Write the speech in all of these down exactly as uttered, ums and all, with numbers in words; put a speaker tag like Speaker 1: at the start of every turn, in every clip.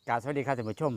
Speaker 1: กราบสวัสดีครับท่านผู้ชม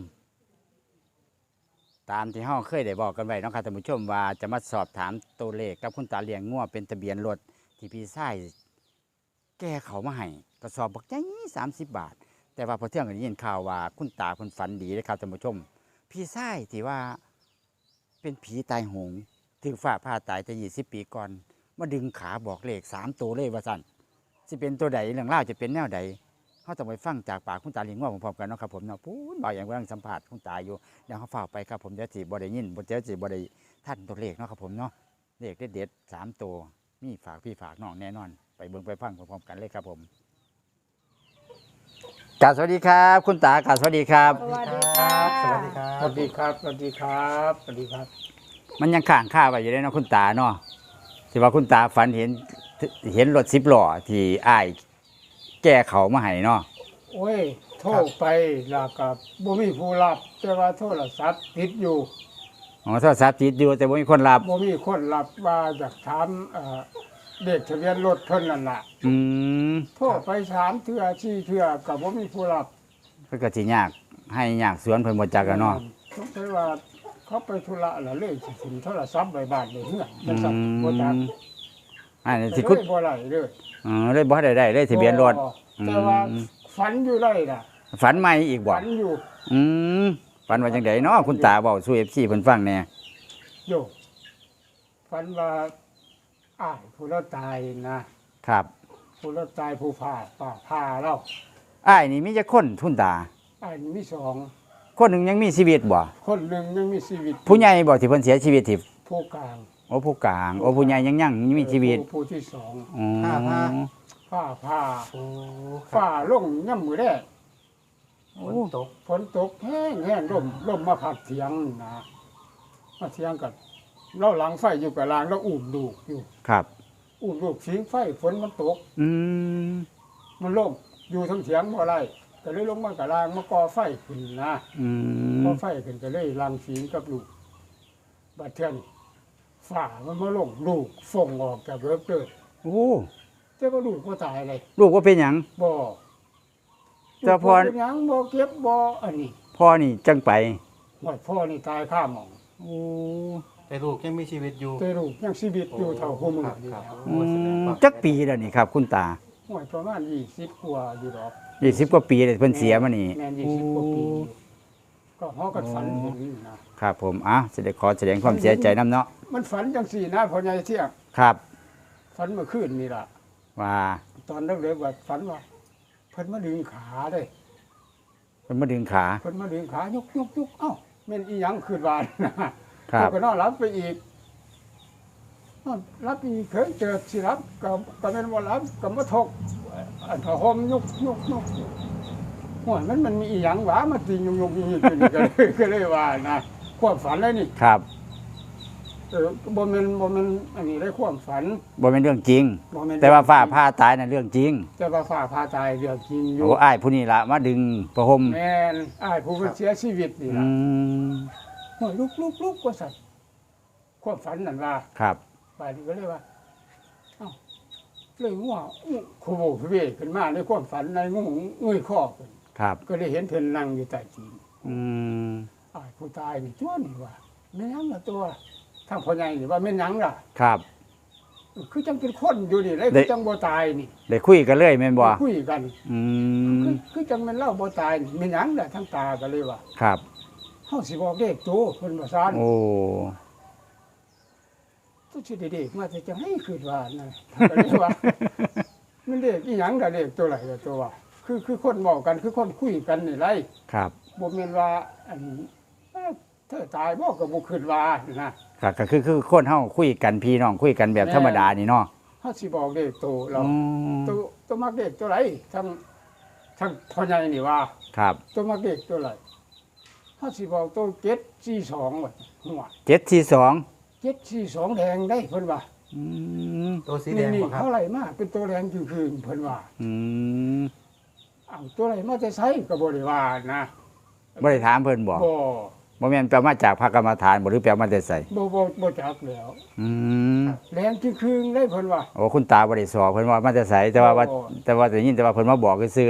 Speaker 1: ตามที่เฮาเคยได้บอกกันไว้เนาะครับท่านผู้ชมว่าจะมาสอบถามตัวเลขกับคุณตาเลี้ยงงัวเป็นทะเบียนรถที่พี่ชายแก้เขามาให้กระสอบบักใหญ่สามสิบบาท แต่ว่าพอเที่ยงกันได้ยินข่าวว่าคุณตาเพิ่นฝันดีเลยครับท่านผู้ชม พี่ชายที่ว่าเป็นผีตายโหงถึงฝ่าผ่าตายแต่ยี่สิบปีก่อนมาดึงขาบอกเลขสามตัวเลยว่าสั่นสิเป็นตัวใดเรื่องเล่าวจะเป็นแนวใด เขาต้องไปฟังจากปากคุณตาเลี้ยงงัวพร้อมๆกันเนาะครับผมเนาะพูดบ่อยอย่างกำลังสัมผัสคุณตาอยู่เดี๋ยวเขาฝากไปครับผมเดี๋ยวสิบ่ได้ยินบ่เดี๋ยวสิบ่ได้ท่านตัวเลขเนาะครับผมเนาะเลขเด็ดๆสามตัวมีฝากพี่ฝากน้องแน่นอน ไปเบิ่งไปฟังพร้อมๆกันเลยครับผมกราบสวัสดีครับ คุณตากราบสวัสดีครับ
Speaker 2: สวัสดีครับ
Speaker 3: สวัสดีครับ
Speaker 2: สวัสดีครับ สวัสดีครับ สวัสดีครับ
Speaker 1: มันยังข้างข้าไว้อยู่เลยเนาะคุณตาเนาะที่ว่าคุณตาฝันเห็นเห็นรถสิบล้อที่อ้ายแก้เขามาให้เนาะ
Speaker 2: โอ้ย โทรไปแล้วก็บ่มีผู้รับ แต่ว่าโทรศัพท์ติดอยู่
Speaker 1: อ๋อโทรศัพท์ติดอยู่แต่บ่มีคนรับ
Speaker 2: บ่มีคนรับว่าอยากถามเอ่อเด็กทะเบียนรถเพิ่นนั่นล่ะ
Speaker 1: อืม
Speaker 2: โทรไปสามเทื่อสี่เทื่อก็บ่มีผู้รับ
Speaker 1: เพิ่นก็สิยากให้ยากสวนเพิ่นบ่จักกันเนาะ
Speaker 2: สงสัยว่าเขาไปธุระแล้วเลยสิถึงโทรศัพท์ไว้บ้านเลยเฮือน
Speaker 1: อื
Speaker 2: จังซั่นบ่จัก
Speaker 1: มอันนี้
Speaker 2: แต่
Speaker 1: สิ
Speaker 2: เล
Speaker 1: คุณ
Speaker 2: ยบ่ไหลเลย
Speaker 1: อ๋อเลยบ่ได้ได้เลยทะเบียนรถ
Speaker 2: บ่แต่ว่า
Speaker 1: อืม
Speaker 2: ฝันอยู่เลยน่ะ
Speaker 1: ฝันใหม่อีกบ่
Speaker 2: ฝันอยู่
Speaker 1: อืมฝันว่าจังไดเนาะคุณตาเว้าสู่ เอฟ ซี เพิ่นฟังแหน่
Speaker 2: โยฝันว่าอ้ายผู้เราตายนะครับ ผู้เราตายผู้ผ่าป่าผ่าเรา
Speaker 1: อ้ายนี่มีจักคนคุณตา
Speaker 2: อ้ายนี่มีสอง
Speaker 1: คนหนึงยังมีชีวิตบ่
Speaker 2: คนหนึ่งยังมีชีวิต
Speaker 1: ผู้ใหญ่บ่ที่เพิ่นเสียชีวิตที่
Speaker 2: ผู้กลาง
Speaker 1: โอ้ผู้กลางโอ้ผู้ใหญ่ยังยังมีชีวิต
Speaker 2: ผู้ผู้ที่สอง
Speaker 1: อ๋อ
Speaker 3: ผ้าผ้า
Speaker 2: ผ่าผ่า
Speaker 3: โอ้ครั
Speaker 2: ฝ่า
Speaker 3: บ
Speaker 2: ลงย่ำมือแรก
Speaker 3: ฝนตก
Speaker 2: ฝนตกแห้งแห้งลมลมมาพัดเถียงนะมาเถียงกันเราหลังไฟอยู่กับลางเราอุ่มลูกอยู่
Speaker 1: ครับ
Speaker 2: อุ่มลูกสิงไฟฝนมันตก
Speaker 1: อืม
Speaker 2: มันล่มอยู่ทั้งเถียงบ่ไรก็เลยลงมากับลางมาก่อไฟขึ้นนะ
Speaker 1: อืม
Speaker 2: พอไฟขึ้นก็เลยรังสีกับลูกบัดเทือนฝ่ามันมาลงลูกส่งออกจากเบิกเลย
Speaker 1: โอ้
Speaker 2: แต่ว่าลูกก็ตายเลย
Speaker 1: ลูกว่าเป็นหยัง
Speaker 2: บ่
Speaker 1: แต่พอ
Speaker 2: ลูกบ่เป็นหยังบ่เก็บบ่อันนี้
Speaker 1: พ่อนี่จังไป
Speaker 2: หมดพ่อนี่ตายข้าหมอง
Speaker 1: โอ้
Speaker 3: แต่ลูกยังมีชีวิตอยู่
Speaker 2: แต่ลูกยังชีวิตอยู่เท่าหัวมือ
Speaker 3: ครับ
Speaker 2: นี่
Speaker 3: ครับ
Speaker 2: แล้ว
Speaker 3: โอ้แสดงความ
Speaker 1: จักปีแล้วนี่ครับ คุณตา
Speaker 2: หวยประมาณยี่สิบกว่าอยู่ดอก
Speaker 1: ยี่สิบกว่าปีเลยเพิ่นเสียมานี่
Speaker 2: แม่นยี่สิบกว่าปีอยู่ก็ฮอกันฝันเห็นนะครับ
Speaker 1: ผมอ่ะแสดงขอแสดงความเสียใจน้ำเนาะ
Speaker 2: มันฝันจังสี่นะพ่อใหญ่เที่ยง
Speaker 1: ครับ
Speaker 2: ฝันเมื่อคืนนี่ล่ะ
Speaker 1: ว่า
Speaker 2: ตอนเด็กๆว่าฝันว่าเพิ่นมาดึงขาเด้
Speaker 1: เพิ่นมาดึงขา
Speaker 2: เพิ่นมาดึงขายกยกยกเอ้าแม่นอีหยังคืนวานนะครับ ก็นอนรับไปอีกนอนรับอีกเพิ่นเจอสิรับก็ก็แม่นว่ารับก็มาทกอันผ้าห่มยกยกยกหัวมันมันมีอีหยังหวามาติงยกยกยกขึ้นก็เลยก็เลยว่านะความฝันเลยนี่
Speaker 1: ครับ
Speaker 2: เออบ่แม่นบ่แม่นอันนี้ได้ความฝัน
Speaker 1: บ่เป็นเรื่องจริง
Speaker 2: บ่แม่น
Speaker 1: แต่ว่าฟ้าผ่าตายน่ะเรื่องจริง
Speaker 2: แต่ว่าฟ้าพาตายเรื่องจริงอยู่
Speaker 1: โอ้อ้ายผู้นี้ละมาดึงประห่ม
Speaker 2: แม่นอ้ายผู้เพิ่นเสียชีวิตนี่
Speaker 1: อื
Speaker 2: ล่ะ
Speaker 1: ม
Speaker 2: โอ้ยลุกลุกลุกว่าสั่นความฝันนั่นว่า
Speaker 1: ครับ
Speaker 2: ป่านนี้ก็เลยว่าเอ้าเลยว่าอู้โคโบพเวขึ้นมาในความฝันในงูเงยคอขึ้น
Speaker 1: ครับ
Speaker 2: ก็เลยเห็นเพิ่นนั่งอยู่ใต้จีน
Speaker 1: อืม
Speaker 2: อ้ายผู้ตายนี่จ้วนนี่ว่าแม่นหยังล่ะตัวทางพ่อใหญ่นี่ว่าแม่นหยังล่ะ
Speaker 1: ครับ
Speaker 2: คือจังเป็นคนอยู่นี่เลย
Speaker 1: ได้
Speaker 2: คือจังบ่ตายนี่
Speaker 1: ได้คุยกันเลยแม่นบ่
Speaker 2: คุยกัน
Speaker 1: อืม
Speaker 2: คือคือจังแม่นเล่าบ่ตายนี่แม่นหยังล่ะทั้งตาก็เลยว่า
Speaker 1: ครับ
Speaker 2: เฮาสิบอกเลขตัวเพิ่นว่าซ่าน
Speaker 1: โอ้
Speaker 2: ตุสิได้เด็กมาแต่จังให้คิดว่านั่นก็เลยว่า มันเลขอีหยังล่ะเลขตัวไหนล่ะตัวว่า คือคือคนเว้ากันคือคนคุยกันนี่ไร
Speaker 1: ครับ
Speaker 2: บ่แม่นว่าอันเอ้อเธอตายบ่ก็บ่คิดว่านะครับ
Speaker 1: ก็คือคือคนเฮาคุยกันพี่น้องคุยกันแบบธรรมดานี่เนาะ
Speaker 2: เฮาสิบอกเลขตัวเรา
Speaker 1: อืม
Speaker 2: ตัวตัวมักเลขตัวไหนทั้งทั้งพ่อใหญ่นี่ว่า
Speaker 1: ครับ
Speaker 2: ตัวมักเลขตัวไหนเฮาสิบอกตัวเจ็ดสี่สองว่าหัว
Speaker 1: เจ็ดสี่สอง
Speaker 2: เจ็ดสี่สองแดงได้เพิ่นว่า
Speaker 1: อืม
Speaker 3: ตัวสีแด
Speaker 2: นี่
Speaker 3: ง
Speaker 2: นี่
Speaker 3: บ่ครับ
Speaker 2: เท่าไหร่มาเป็นตัวแดงคือคืนเพิ่นว่า
Speaker 1: อืม
Speaker 2: อ้าวตัวไหนมาแต่ไสก็บ่ได้ว่านะ
Speaker 1: บ่ได้ถามเพิ่นบ่
Speaker 2: บ่
Speaker 1: บ่แม่นแปลมาจากพระกรรมฐานบ่หรือแปลมาแต่ไส
Speaker 2: บ่บ่บ่จักแล้ว
Speaker 1: อืม
Speaker 2: แดงคือคืนได้เพิ่นว่า
Speaker 1: โอ้คุณตาบ่ได้สอบเพิ่นว่ามาแต่ไสแต่ว่าว่า
Speaker 2: โอ้
Speaker 1: แต่ว่าได้ยินแต่ว่าเพิ่นมาบอกซื่อ
Speaker 2: เ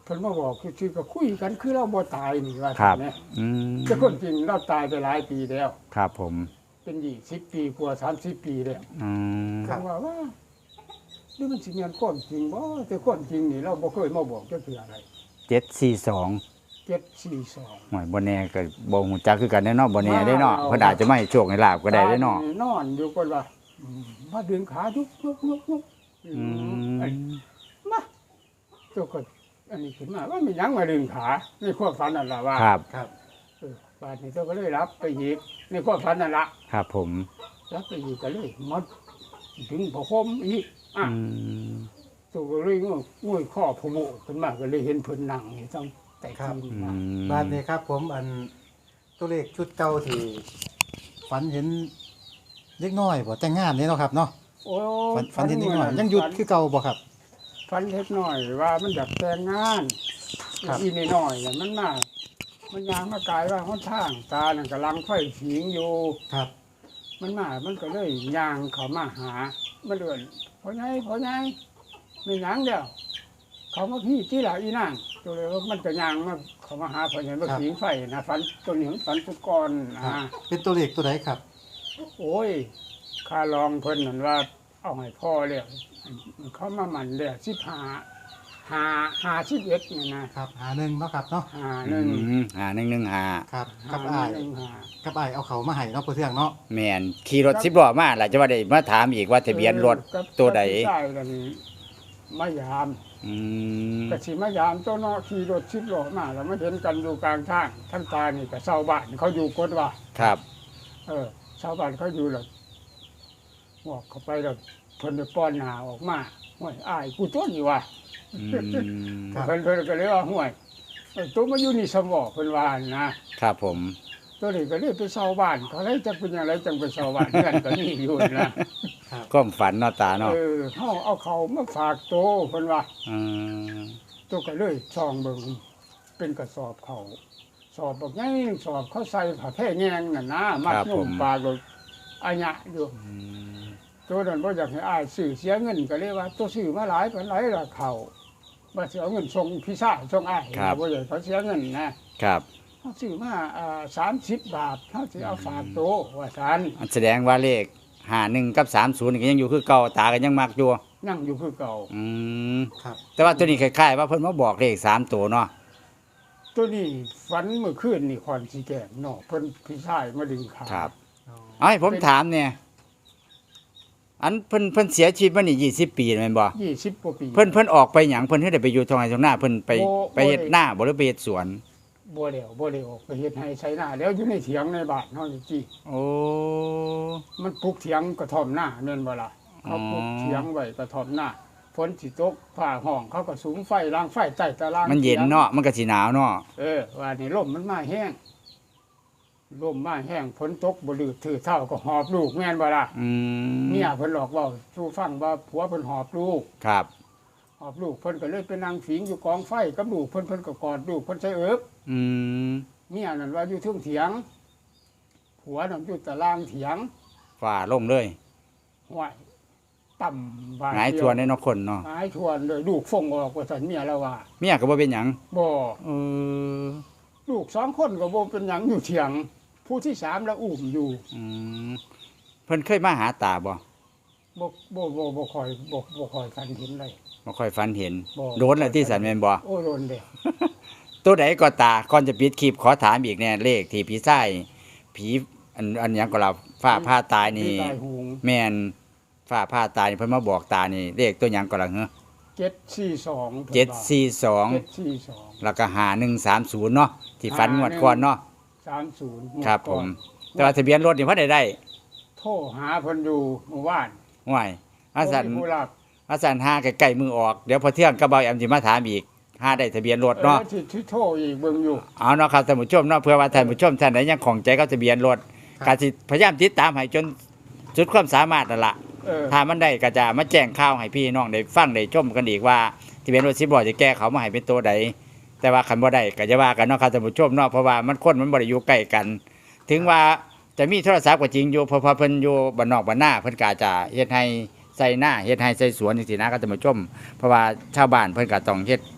Speaker 2: พิ่นมาบอกคือคือก็คุยกันคือเราบ่ตายนี่ว่า
Speaker 1: ครับ
Speaker 2: แม่
Speaker 1: อืม
Speaker 2: แต่คนจริงเราตายไปหลายปีแล้ว
Speaker 1: ครับผม
Speaker 2: เป็นยี่สิบปีกว่าสามสิบปีแล้ว
Speaker 1: อืม
Speaker 2: ผมว่าว่าหรือมันสิแม่นความจริงบ่แต่ความจริงนี่เราบ่เคยมาบอกจักเทื่ออะไร
Speaker 1: เจ็ดสี่สอง
Speaker 2: เจ็ดสี่สอง
Speaker 1: หวยบ่แน่ก็บ่ฮู้จักคือกันแน่เนาะบ่แน่ได้เนาะ
Speaker 2: ว้าว
Speaker 1: เพิ่นอาจจะไม่ให้โชคให้ลาบก็ได้เด้เนาะ
Speaker 2: นอนอยู่ก่อนว่าอืมมาดึงขายุกยุกยุกยุก
Speaker 1: อื
Speaker 2: ไอ้
Speaker 1: ม
Speaker 2: มาตัวก็อันนี้ขึ้นมาว่ามีหยังมาดึงขาในความฝันนั่นล่ะว่า
Speaker 1: ครับ
Speaker 3: ครับ
Speaker 2: เออบาดนี้ตัวก็เลยรับไปอีกในความฝันนั่นล่ะ
Speaker 1: ครับผม
Speaker 2: รับไปอีกก็เลยมดดึงผ้าคมอีกอ่ะ
Speaker 1: อืม
Speaker 2: ตัวก็เลยงวยงวยข้อพะโมขึ้นมาก็เลยเห็นเพิ่นนั่งอยู่ต้องแต่
Speaker 3: ครับ
Speaker 2: ที
Speaker 1: อื
Speaker 2: มา
Speaker 1: ม
Speaker 3: บ้านนี้ครับ ผมอันตัวเลขชุดเก่าที่ฝันเห็นเล็กน้อยบ่แต่งงานนี่เนาะครับเนาะ
Speaker 2: โอ้
Speaker 3: ฝันฝันเห็นเล็กน้อยยังหยุดคือเก่าบ่ครับ
Speaker 2: ฝันเล็กน้อยว่ามันอยากแต่งงาน
Speaker 3: ครับ
Speaker 2: อีนี่น้อยเนี่ยมันมามันยางมากายว่าหนทางตานั่นกำลังไฟผิงอยู่
Speaker 3: ครับ
Speaker 2: มันมา มันก็เลยยางเขามาหามาเดือนพอไงพอไงไม่หยังเดียวเขามาพี่ที่หลาอีนางตัวเลยว่ามันจะยางมาเขามาหาพอไงมาผิงไฟนะฝันตัวหนึ่งฝันตุกร
Speaker 3: ครับ
Speaker 2: อ่า
Speaker 3: เป็นตัวเลขตัวไหนครับ
Speaker 2: โอ้ยข้าลองเพิ่นนั่นว่า เอาให้พ่อเรียกเขามาหมันเรียกสิบหาหาหาสิบเอ็ดนี่นะครับ
Speaker 3: หาหนึ่งเนาะครับเนาะ
Speaker 2: หาหนึ่ง
Speaker 1: อืมหาหนึ่งหนึ่งหา
Speaker 3: ครับ
Speaker 2: หา
Speaker 3: กับอ้าย
Speaker 2: หนึ่งหา
Speaker 3: กับอ้ายเอาเขามาให้เนาะเพื่อเทื่องเนาะ
Speaker 1: แม่นขี่รถสิบล้อมาล่ะจะว่าได้มาถามอีกว่าทะเบียนรถ
Speaker 2: กับ
Speaker 1: ตัวใด
Speaker 2: กับผู้ชายกันมายาม
Speaker 1: อืม
Speaker 2: กะสิมายามตัวเนาะขี่รถสิบล้อมาแล้วมาเห็นกันอยู่กลางทางทั้งตานี่กับชาวบ้านเขาอยู่กดว่า
Speaker 1: ครับ
Speaker 2: เออชาวบ้านเขาอยู่แล้วบอกเขาไปแล้วเพิ่นไปป้อนหาออกมาห่วยอ้ายกูต้นอยู่ว่ะ
Speaker 1: อืม
Speaker 3: ครับ
Speaker 2: เพิ่นเพิ่นก็เลยว่าห่วยเอ้ยตัวมาอยู่นี่สมองเพิ่นว่านะครับ
Speaker 1: ผม
Speaker 2: ตัวนี้ก็เลยไปชาวบ้านเขาเลยจะเป็นอย่างไรจังไปชาวบ้านเพื่อนก็นี่อยู่นะ
Speaker 1: ความฝันเนาะตาเนาะ
Speaker 2: เออเฮาเอาเขามาฝากโตเพิ่นว่า
Speaker 1: อืม
Speaker 2: ตัวก็เลยช่องเบิ่งเป็นกระสอบเขาสอบบอกไงสอบเขาใส่ผ้าแพร่แงงน่ะนะมัดนุ่มปลากรถอัญญะอยู่
Speaker 1: อืม
Speaker 2: ตัวนั้นบ่อยากให้อ้ายซื้อเสียเงินก็เลยว่า ตัวซื้อมาหลายปานหลายละเขาบ่สิเอาเงินส่งพี่ชายส่งอ้ายบ่อยากเขาเสียเงินนะครับ เขาซื้อมาอ่าสามสิบบาทเขาสิเอาฝากโตว่าซั่น
Speaker 1: อันแสดงว่าเลขหาหนึ่งกับสามศูนย์ก็ยังอยู่คือเก่าตาก็ยังมักอยู่
Speaker 2: ยังอยู่คือเก่า
Speaker 1: อืม
Speaker 3: ครับ
Speaker 1: แต่ว่าตัวนี้คล้ายๆว่าเพิ่นมาบอกเลขสามตัวเนาะ
Speaker 2: ตัวนี้ฝันเมื่อคืนนี่คอนสิแกงเนาะเพิ่นพี่ชายมาดึงขา
Speaker 1: ครับเอาให้ผมถามเนี่ยอันเพิ่นเพิ่นเสียชีวิตมานี่ยี่สิบปีแม่นบ่
Speaker 2: ยี่สิบกว่าปี
Speaker 1: เพิ่นเพิ่นออกไปหยังเพิ่นเฮ็ดได้ไปอยู่ทางไหนทางหน้าเพิ่นไป
Speaker 2: โอ้
Speaker 1: ไปเฮ็ดหน้าบ่หรือไปเฮ็ดสวน
Speaker 2: บ่แล้วบ่ได้ออกไปเฮ็ดให้ใช้หน้าแล้วอยู่ในเถียงในบ้านเฮานี่จิ
Speaker 1: โอ้
Speaker 2: มันปลูกเถียงกระท่อมหน้าแม่นบ่ล่ะเขาปลูกเถียงไว้กระท่อมหน้าฝนสิตกฟ้าห้องเขาก็สุมไฟล้างไฟใต้ตาราง
Speaker 1: มันเย็นเนาะมันก็สิหนาวเนาะ
Speaker 2: เออว่านี่ลมมันมาแห้งลมมาแห้งฝนตกบ่ลือถือเท่าก็หอบลูกแม่นบ่ล่ะ
Speaker 1: อืม
Speaker 2: เมียเพิ่นหลอกเว้าสู่ฟังว่าผัวเพิ่นหอบลูก
Speaker 1: ครับ
Speaker 2: หอบลูกเพิ่นก็เลยไปนั่งผิงอยู่กองไฟกับลูกเพิ่นเพิ่นก็กอดลูกเพิ่นใส่เอิบ
Speaker 1: อืม
Speaker 2: เมียนั่นว่าอยู่เทึงเถียงผัวนั่นอยู่ตารางเถียง
Speaker 1: ฝ่าลงเลย
Speaker 2: ห้วยต่ำบาด
Speaker 1: หงาย
Speaker 2: เดี
Speaker 1: ทวนในเนาะคนเนาะ
Speaker 2: หงายทวนเลยลูกฟงออกว่าซั่นเมียแล้วว่า
Speaker 1: เมียก็บ่เป็นหยัง
Speaker 2: บ่
Speaker 1: เออ
Speaker 2: ลูกสองคนก็บ่เป็นหยังอยู่เถียง ผู้ที่สามแล้วอุ้มอยู่
Speaker 1: อืมเพิ่นเคยมาหาตาบ่
Speaker 2: บ่บ่บ่บ่ค่อยบ่บ่ค่อยฝันเห็นเลย
Speaker 1: บ่ค่อยฝันเห็น
Speaker 2: บ่
Speaker 1: โดนแล้วที่สันแม่นบ่
Speaker 2: โอ้โดนเด้
Speaker 1: ตัวใดก็ตาก่อนจะปิดคลิปขอถามอีกแน่เลขที่ผีไส้ผีอันอันหยังก็เราฟ้าผ้าตายนี่
Speaker 2: ตายหูง
Speaker 1: แม่นฟ้าผ้าตายนี่เพิ่นมาบอกตานี่เลขตัวหยังก็ล่ะเหรอ
Speaker 2: เจ็ดสี่สอง
Speaker 1: เจ็ดสี่สอง
Speaker 2: เจ็ดสี่สอง
Speaker 1: แล้วก็หาหนึ่งสามศูนย์เนาะที่ฝันงวดก่อนเนาะ
Speaker 2: สามศูนย์
Speaker 1: ครับผม แต่ว่าทะเบียนรถนี่เพิ่นได้ได้
Speaker 2: โทรหาเพิ่นอยู่เมื่อวาน
Speaker 1: ห่วยอาสัน
Speaker 2: บ่มีผู้รับ
Speaker 1: อาสันหาใกล้ๆมือออกเดี๋ยวพอเที่ยงก็เบาแอมสิมาถามอีกหาได้ทะเบียนรถเนาะ
Speaker 2: ออที่ที่โทรอีกเบิ่งอยู่
Speaker 1: เอาเนาะครับท่านผู้ชมเนาะเพื่อว่าท่านผู้ชมท่านใดยังของใจกับทะเบียนรถ
Speaker 3: ครับ
Speaker 1: ก็สิพยายามติดตามให้จนสุดความสามารถนั่นล่ะ
Speaker 2: เออ
Speaker 1: ถ้ามันได้ก็จะมาแจ้งข่าวให้พี่น้องได้ฟังได้ชมกันอีกว่าทะเบียนรถสิบล้อจะแก้เขามาให้เป็นตัวใดแต่ว่าคันบ่ได้ก็จะว่ากันเนาะครับท่านผู้ชมเนาะเพราะว่ามันคนมันบ่ได้อยู่ใกล้กัน ถึงว่าจะมีโทรศัพท์ก็จริงอยู่เพราะว่าเพิ่นอยู่บ้านนอกบ้านนาเพิ่นก็อาจจะเฮ็ดให้ใส่หน้าเฮ็ดให้ใส่สวนจังซี่นะครับท่านผู้ชมเพราะว่าชาวบ้านเพิ่นก็ต้องเฮ็ดท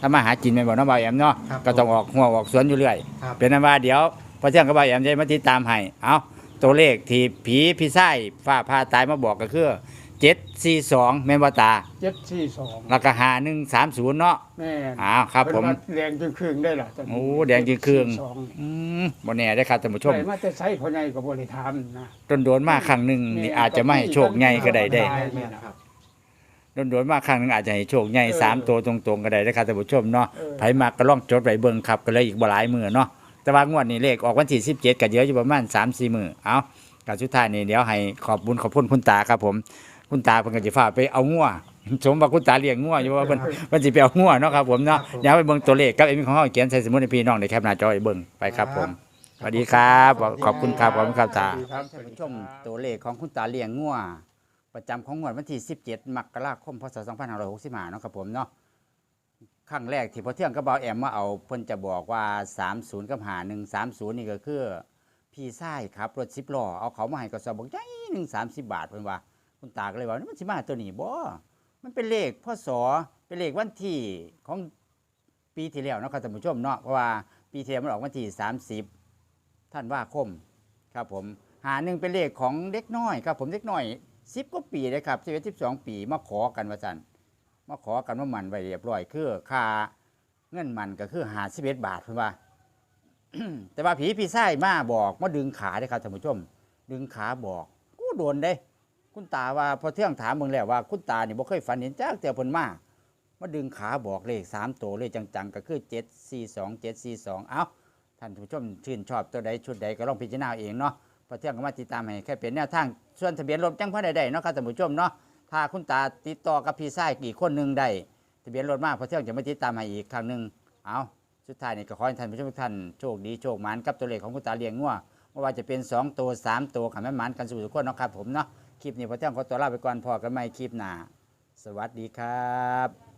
Speaker 1: ทำมาหากินแม่นบ่เนาะบ่าวแอมเนาะ
Speaker 3: ครับ
Speaker 1: ก็ต้องออกหัวออกสวนอยู่เรื่อย
Speaker 3: ครับ
Speaker 1: เป็นนั้นว่าเดี๋ยวพอเที่ยงกับบ่าวแอมจะมาติดตามให้เอาตัวเลขที่ผีพี่ไส้ฟ้าพาตายมาบอกก็คือเจ็ดสี่สองแม่นบ่ตา
Speaker 2: เจ็ดสี่สอง
Speaker 1: แล้วก็หาหนึ่งสามศูนย์เนาะ
Speaker 2: แม่น
Speaker 1: อ้าวครับผม
Speaker 2: เพิ่นว่าแดงจึงครึ่งได้ล่ะตนนี้
Speaker 1: โอ้แดงจึงครึ่ง
Speaker 2: เจ็ดสี่สอ
Speaker 1: อืมบ่แน่ได้อครับท่านผู้ชม
Speaker 2: ได้มาแต่ใช้พ่อใหญ่ก็บ่ได้ถามนะ
Speaker 1: โดนโดนๆมาครั้งหนึ่งนี่อาจจะไม่ให้โชคใหญ่ก็ได้ได้
Speaker 2: ได้
Speaker 3: แม่นครับ
Speaker 1: โดนโดนๆมาครั้งหนึ่งอาจจะให้โชคใหญ่
Speaker 2: เออ
Speaker 1: สามตัวตรงๆก็ได้นะครับท่านผู้ชมเนาะ
Speaker 2: เออ
Speaker 1: ไผมากก็ลองจดไว้เบิ่งครับก็เลยอีกบ่หลายมื้อเนาะแต่ว่างวดนี้เลขออกวันที่สิบเจ็ดก็เดี๋ยวอยู่ประมาณ สามสี่ มื้อเอาการสุดท้ายนี่เดี๋ยวให้ขอบบุญขอบคุณคุณตาครับผม คุณตาเพิ่นก็สิพาไปเอางัวสมว่าคุณตาเลี้ยงงัวอยู่ว่าเพิ่นเพิ่นสิไปเอางัวเนาะครับผมเนาะ
Speaker 3: ครับผม
Speaker 1: เดี๋ยวไปเบิ่งตัวเลขกับเอ็มของเฮาเขียนใส่สมุดให้พี่น้องได้แคปหน้าจอไว้เบิ่งไปครับผมสวัสดีครับขอบคุณครับขอบคุณครับตา
Speaker 2: ครับ
Speaker 1: ท่านผู้ชมตัวเลขของคุณตาเลี้ยงงัวประจำของงวดวันที่สิบเจ็ดมกราคมพศสองพันห้าร้อยหกสิบห้าเนาะครับผมเนาะครั้งแรกที่พอเที่ยงก็บ่าวแอมมาเอาเพิ่นจะบอกว่าสามสิบกับหาหนึ่งสามสิบนี่ก็คือพี่ชายครับรถสิบล้อเอาเขามาให้กระสอบบอกใหญ่หนึ่งสามสิบบาทเพิ่นว่าคุณตาก็เลยว่านี่มันสิมาตัวนี้บ่มันเป็นเลขพศเป็นเลขวันที่ของปีที่แล้วเนาะครับท่านผู้ชมเนาะเพราะว่าปีที่แล้วมันออกวันที่สามสิบธันวาคม ครับผมหาหนึ่งเป็นเลขของเด็กน้อยครับผมเด็กน้อยสิบกว่าปีเลยครับสิบเอ็ดสิบสองปีมาขอกันว่าจันมาขอกันว่ามันไว้เรียบร้อยคือค่าเงินมันก็คือหาสิบเอ็ดบาทเพื่อนว่า แต่ว่าผีพี่ไส้มาบอกมาดึงขาได้ครับท่านผู้ชม ดึงขาบอกกูโดนได้ คุณตาว่าพอเที่ยงถามมึงแล้วว่าคุณตานี่บ่เคยฝันเห็นจ้าแต่เพิ่นมามาดึงขาบอกเลขสามตัวเลยจังๆก็คือเจ็ดสี่สองเจ็ดสี่สองเอ้าท่านผู้ชมชื่นชอบตัวใดชุดใดก็ลองพิจารณาเองเนาะ พอเที่ยงก็มาติดตามให้แค่เป็นแนวทางส่วนทะเบียนรถจังพอได้ได้เนาะครับท่านผู้ชมเนาะถ้าคุณตาติดต่อกับพี่ชายอีกคนหนึ่งได้ทะเบียนรถมากพอเที่ยงจะมาติดตามให้อีกครั้งหนึ่งเอาสุดท้ายนี่ก็ขอให้ท่านผู้ชมทุกท่านโชคดีโชคหมานกับตัวเลขของคุณตาเลี้ยงงัวไม่ว่าจะเป็นสองตัวสามตัวขันแม่หมานกันสู่ทุกคนเนาะครับผมเนาะคลิปนี้พอเที่ยงขอตัวลาไปก่อนพอกันใหม่คลิปหน้าสวัสดีครับ